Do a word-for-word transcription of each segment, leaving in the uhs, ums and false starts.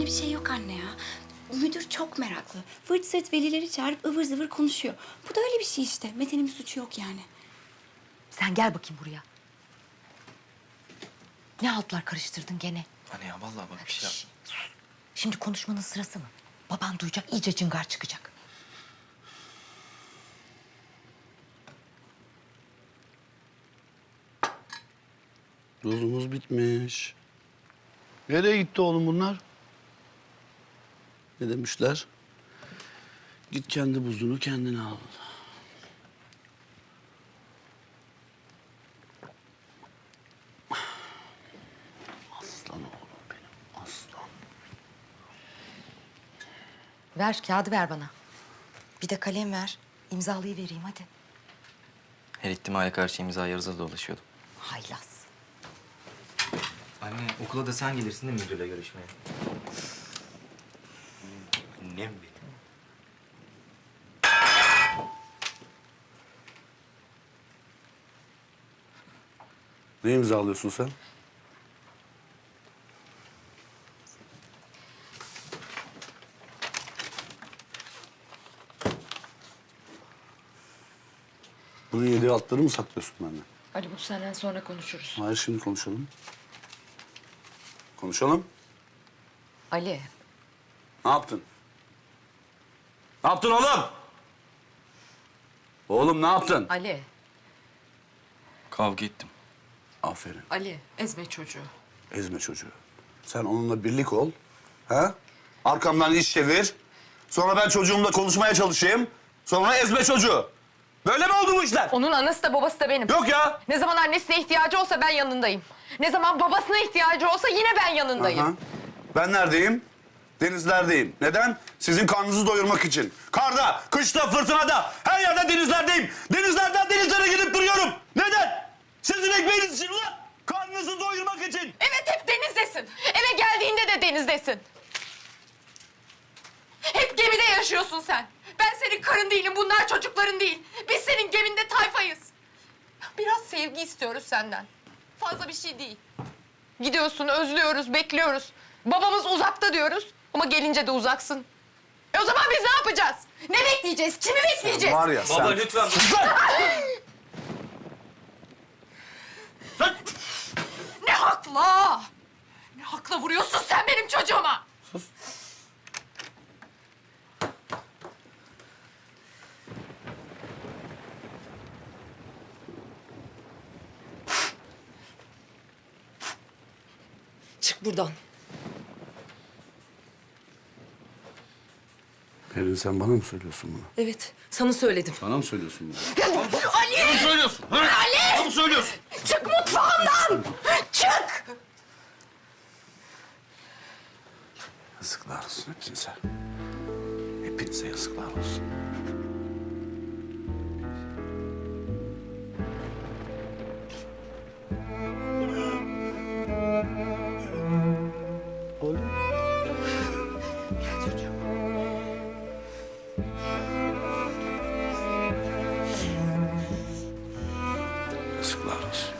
bir şey yok anne ya. Müdür çok meraklı. Fırt sırt velileri çağırıp ıvır zıvır konuşuyor. Bu da öyle bir şey işte. Mete'nin bir suçu yok yani. Sen gel bakayım buraya. Ne altlar karıştırdın gene? Anne ya vallahi bak bir şey yap. Şimdi konuşmanın sırası mı? Baban duyacak, iyice cıngar çıkacak. Buzumuz bitmiş. Nereye gitti oğlum bunlar? Ne demişler? Git kendi buzunu kendine al. Aslan oğlum benim, aslan. Ver, kağıdı ver bana. Bir de kalem ver. İmzalayıvereyim hadi. Her ihtimale karşı imza yarıza dolaşıyordum. Haylaz. Anne okula da sen gelirsin değil mi müdürle görüşmeye? Annem benim. Ne imzalıyorsun sen? Bunun yediği altları mı saklıyorsun benden? Ali bu senden sonra konuşuruz. Hayır, şimdi konuşalım. Konuşalım. Ali. Ne yaptın? Ne yaptın oğlum? Oğlum ne yaptın? Ali. Kavga ettim. Aferin. Ali. Ezme çocuğu. Ezme çocuğu. Sen onunla birlik ol. Ha? Arkamdan iş çevir. Sonra ben çocuğumla konuşmaya çalışayım. Sonra ezme çocuğu. Böyle mi oldu bu işler? Onun anası da babası da benim. Yok ya. Ne zaman annesine ihtiyacı olsa ben yanındayım. Ne zaman babasına ihtiyacı olsa yine ben yanındayım. Aha. Ben neredeyim? Denizlerdeyim. Neden? Sizin karnınızı doyurmak için. Karda, kışta, fırtınada, her yerde denizlerdeyim. Denizlerden denizlere gidip duruyorum. Neden? Sizin ekmeğiniz için ulan. Karnınızı doyurmak için. Evet hep denizdesin. Eve geldiğinde de denizdesin. Hep gemide yaşıyorsun sen. Ben senin karın değilim, bunlar çocukların değil. Biz senin geminde tayfayız. Biraz sevgi istiyoruz senden. Fazla bir şey değil. Gidiyorsun, özlüyoruz, bekliyoruz. Babamız uzakta diyoruz ama gelince de uzaksın. E o zaman biz ne yapacağız? Ne bekleyeceğiz? Kimi bekleyeceğiz? Var ya Baba sen... lütfen. Ne hakla? Ne hakla vuruyorsun sen benim çocuğuma? Çık buradan. Pelin sen bana mı söylüyorsun bunu? Evet, sana söyledim. Bana mı söylüyorsun bunu? Ali! Bana mı söylüyorsun? Ha? Ali! Bana mı söylüyorsun? Çık mutfağımdan! Çık! Yazıklar olsun hepinize. Hepinize yazıklar olsun. Oğlum. Gel çocuğum. Yazıklar olsun.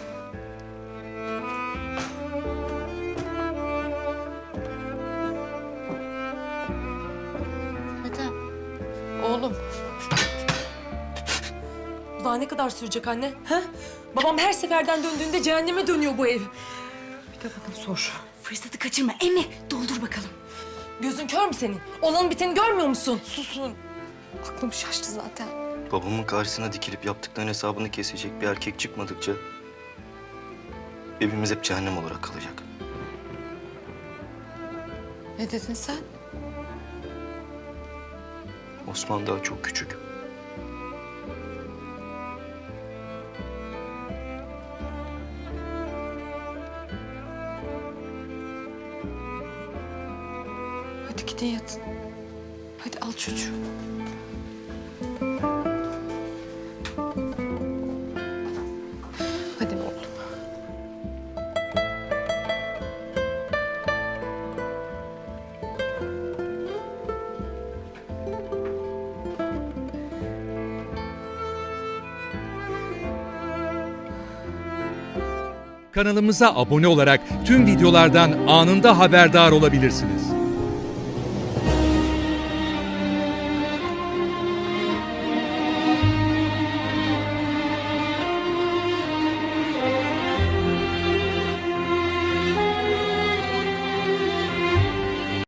Mete, oğlum. Daha ne kadar sürecek anne? Ha? Babam her seferden döndüğünde cehenneme dönüyor bu ev. Bir de bakın sor. Fırsatı kaçırma. Emre doldur bakalım. Gözün kör mü senin? Olan biteni görmüyor musun? Susun. Aklım şaştı zaten. Babamın karşısına dikilip yaptıklarının hesabını kesecek bir erkek çıkmadıkça... evimiz hep cehennem olarak kalacak. Ne dedin sen? Osman daha çok küçük. Hadi gidin yatın. Hadi al çocuğu. Hadi oğlum. Kanalımıza abone olarak tüm videolardan anında haberdar olabilirsiniz.